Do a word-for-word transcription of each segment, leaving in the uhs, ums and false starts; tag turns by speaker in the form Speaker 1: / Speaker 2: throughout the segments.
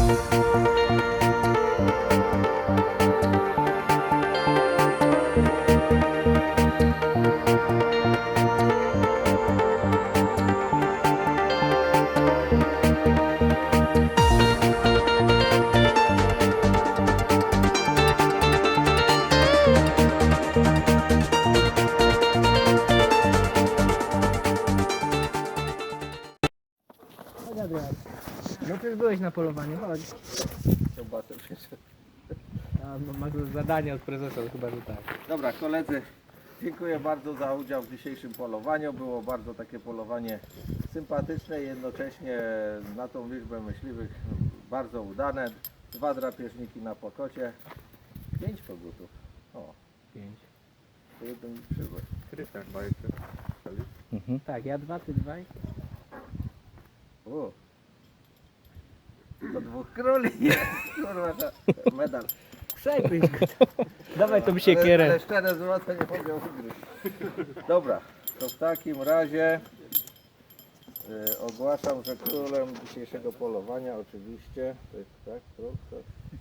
Speaker 1: No ty już byłeś na polowaniu, chodź.
Speaker 2: Zobaczę przecież.
Speaker 1: A, masz zadanie od prezesa, chyba że tak.
Speaker 2: Dobra koledzy, dziękuję bardzo za udział w dzisiejszym polowaniu. Było bardzo takie polowanie sympatyczne i jednocześnie na tą liczbę myśliwych bardzo udane. Dwa drapieżniki na pokocie. Pięć kogutów. O,
Speaker 1: Pięć.
Speaker 2: to jeden przybył.
Speaker 3: Krystian chyba jeszcze.
Speaker 1: Mhm. Tak, ja dwa, ty dwaj.
Speaker 2: O. To dwóch króli jest. Kurwa, to medal.
Speaker 1: Przejpyś go. Dawaj tą
Speaker 2: Ale,
Speaker 1: siekierę.
Speaker 2: ale szczere złote nie mogę ugryźć. Dobra, to w takim razie y, ogłaszam, że królem dzisiejszego polowania oczywiście, to jest tak, król, to,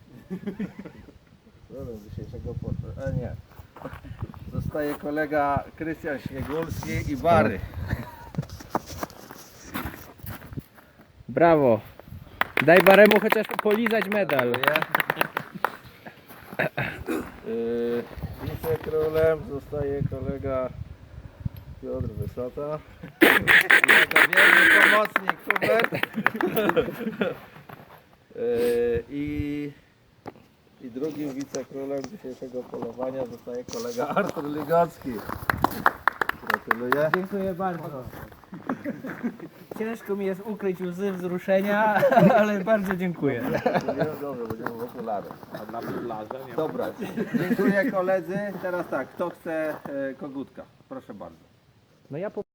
Speaker 2: królem dzisiejszego polowania, a nie, zostaje kolega Krystian Śniegulski i Bary.
Speaker 1: Brawo. Daj Baremu chociaż polizać medal.
Speaker 2: Yy, wicekrólem zostaje kolega Piotr Wysota. Jego wierny pomocnik Hubert. Yy, i, I drugim wicekrólem dzisiejszego polowania zostaje kolega Artur Ligocki. Gratuluję.
Speaker 1: Dziękuję bardzo. Ciężko mi jest ukryć łzy wzruszenia, ale bardzo dziękuję.
Speaker 2: Dobrze, będziemy w okulary.
Speaker 3: A na plażę nie ma.
Speaker 2: Dobra, dziękuję koledzy. Teraz tak, kto chce e, kogutka? Proszę bardzo.
Speaker 1: No ja po